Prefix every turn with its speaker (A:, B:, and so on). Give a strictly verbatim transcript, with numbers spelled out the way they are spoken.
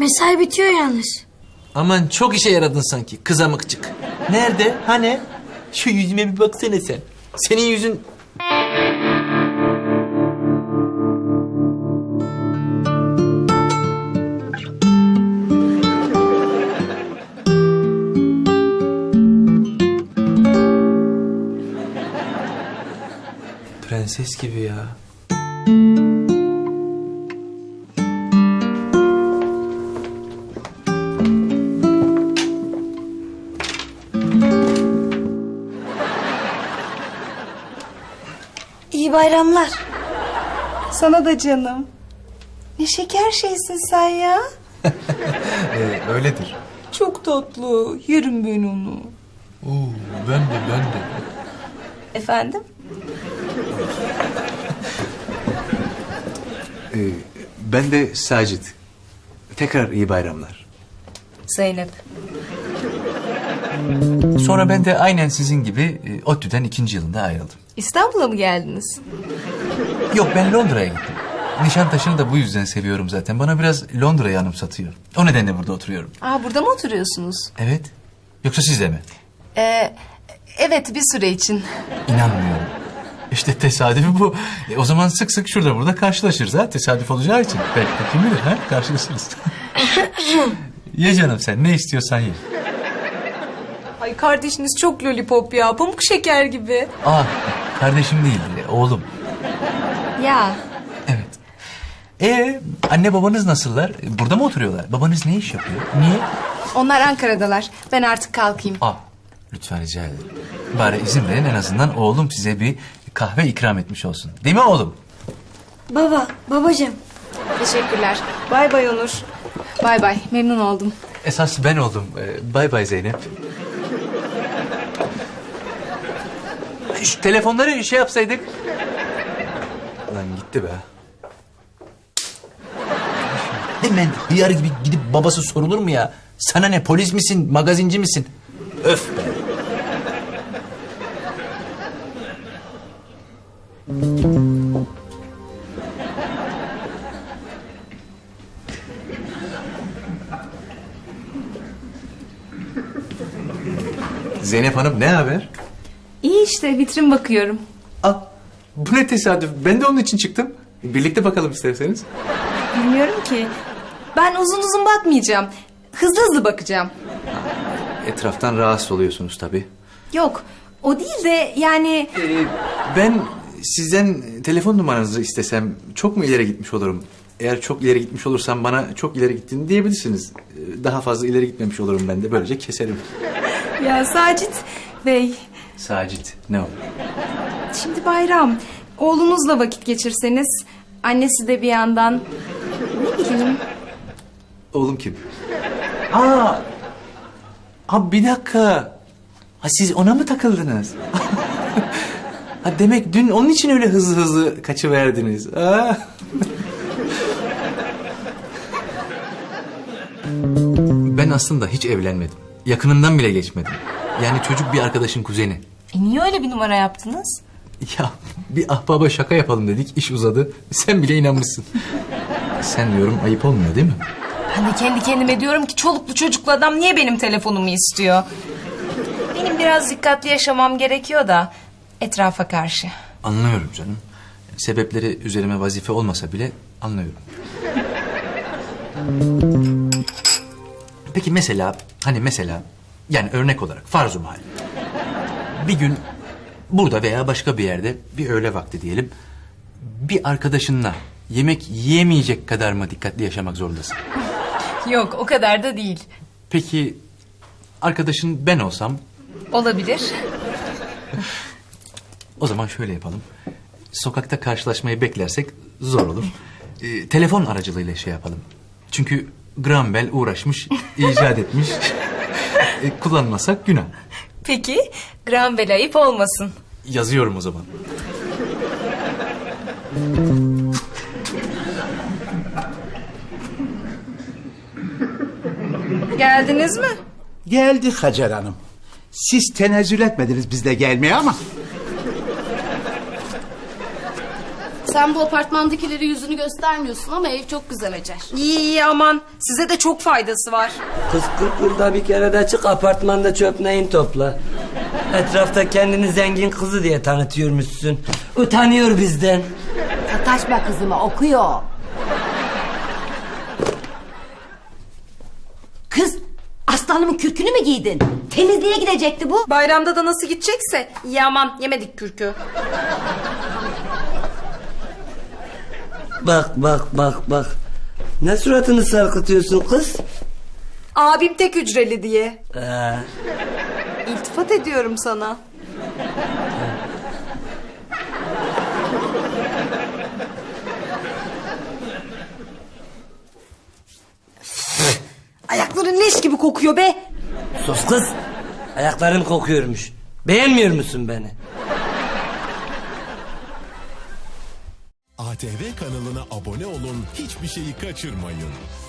A: Mesai bitiyor yalnız.
B: Aman çok işe yaradın sanki kızamıkçık. Nerede? Hani? Şu yüzüme bir baksana sen. Senin yüzün... Prenses gibi ya.
A: İyi bayramlar.
C: Sana da canım. Ne şeker şeysin sen ya.
B: Ee, öyledir.
C: Çok tatlı. Yerim ben onu.
B: Oo, ben de ben de.
C: Efendim?
D: Ee, ben de Sacit. Tekrar iyi bayramlar.
C: Zeynep.
D: Sonra ben de aynen sizin gibi e, ODTÜ'den ikinci yılında ayrıldım.
C: İstanbul'a mı geldiniz?
D: Yok, ben Londra'ya gittim. Nişantaşı'nı da bu yüzden seviyorum zaten. Bana biraz Londra'yı anımsatıyor. O nedenle burada oturuyorum.
C: Aa, burada mı oturuyorsunuz?
D: Evet. Yoksa siz de mi?
C: Ee, evet, bir süre için.
D: İnanmıyorum. İşte tesadüfi bu. E, o zaman sık sık şurada burada karşılaşırız ha. Tesadüf olacağı için. Belki de kim bilir ha. Karşılaşırız. Ye canım sen. Ne istiyorsan ye.
C: Ay, kardeşiniz çok lollipop ya. Pamuk şeker gibi.
D: Aa, kardeşim değil. e, Oğlum.
C: Ya.
D: Evet. Ee, anne babanız nasıllar? E, Burada mı oturuyorlar? Babanız ne iş yapıyor? Niye?
C: Onlar Ankara'dalar. Ben artık kalkayım.
D: Aa, lütfen rica ederim. Bari izin verin, en azından oğlum size bir kahve ikram etmiş olsun. Değil mi oğlum?
A: Baba, babacığım.
C: Teşekkürler. Bay bay Onur. Bay bay. Memnun oldum.
D: Esas ben oldum. Ee, bay bay Zeynep. Şu telefonları şey yapsaydık. Lan gitti be.
B: Hemen hıyar gibi gidip babası sorulur mu ya? Sana ne, polis misin, magazinci misin? Öf be.
D: Zeynep Hanım, ne haber?
C: İyi işte, vitrin bakıyorum.
D: Aa, bu ne tesadüf. Ben de onun için çıktım. Birlikte bakalım isterseniz.
C: Bilmiyorum ki. Ben uzun uzun bakmayacağım. Hızlı hızlı bakacağım.
D: Etraftan rahatsız oluyorsunuz tabii.
C: Yok, o değil de yani...
D: Ee, ben sizden telefon numaranızı istesem çok mu ileri gitmiş olurum? Eğer çok ileri gitmiş olursam bana çok ileri gittiğini diyebilirsiniz. Ee, Daha fazla ileri gitmemiş olurum ben de. Böylece keserim.
C: Ya Sacit Bey,
D: Sacit, ne olur?
C: şimdi bayram. Oğlunuzla vakit geçirseniz, annesi de bir yandan... Ne bileyim...
D: Oğlum kim? Aa, ha bir dakika. Ha siz ona mı takıldınız? Ha demek dün onun için öyle hızlı hızlı kaçıverdiniz. Ha? Ben aslında hiç evlenmedim. Yakınından bile geçmedim. Yani çocuk bir arkadaşın kuzeni.
C: E niye öyle bir numara yaptınız?
D: Ya bir ahbaba şaka yapalım dedik, iş uzadı. Sen bile inanmışsın. Sen diyorum ayıp olmuyor değil mi?
C: Ben de kendi kendime diyorum ki çoluklu çocuklu adam niye benim telefonumu istiyor? Benim biraz dikkatli yaşamam gerekiyor da etrafa karşı.
D: Anlıyorum canım. Sebepleri üzerime vazife olmasa bile anlıyorum. Peki mesela, hani mesela, yani örnek olarak farz-ı mahal. Bir gün burada veya başka bir yerde bir öğle vakti diyelim, bir arkadaşınla yemek yiyemeyecek kadar mı dikkatli yaşamak zorundasın?
C: Yok, o kadar da değil.
D: Peki arkadaşın ben olsam?
C: Olabilir.
D: O zaman şöyle yapalım. Sokakta karşılaşmayı beklersek zor olur. Ee, telefon aracılığıyla şey yapalım. Çünkü Graham Bell uğraşmış, icat etmiş. e, kullanmasak günah.
C: Peki, Graham Bell ayıp olmasın.
D: Yazıyorum o zaman.
C: Geldiniz mi?
E: Geldik Hacer Hanım. Siz tenezzül etmediniz bizle gelmeye ama...
F: Sen bu apartmandakileri yüzünü göstermiyorsun ama ev çok güzel Hacer.
C: İyi iyi aman. Size de çok faydası var.
G: Kız kırk yılda bir kere de çık apartmanda çöp neyin topla. Etrafta kendini zengin kızı diye tanıtıyormuşsun. Utanıyor bizden.
H: Sataşma kızıma, okuyor. Kız, aslanımın kürkünü mü giydin? Temizliğe gidecekti bu.
C: Bayramda da nasıl gidecekse. İyi aman yemedik kürkü.
G: Bak bak bak bak. Ne suratını sarkıtıyorsun kız?
C: Abim tek hücreli diye.
G: Ee,
C: İltifat ediyorum sana. Ayakların leş gibi kokuyor be.
G: sus kız. Ayaklarım kokuyormuş. Beğenmiyor musun beni?
I: A T V kanalına abone olun, hiçbir şeyi kaçırmayın.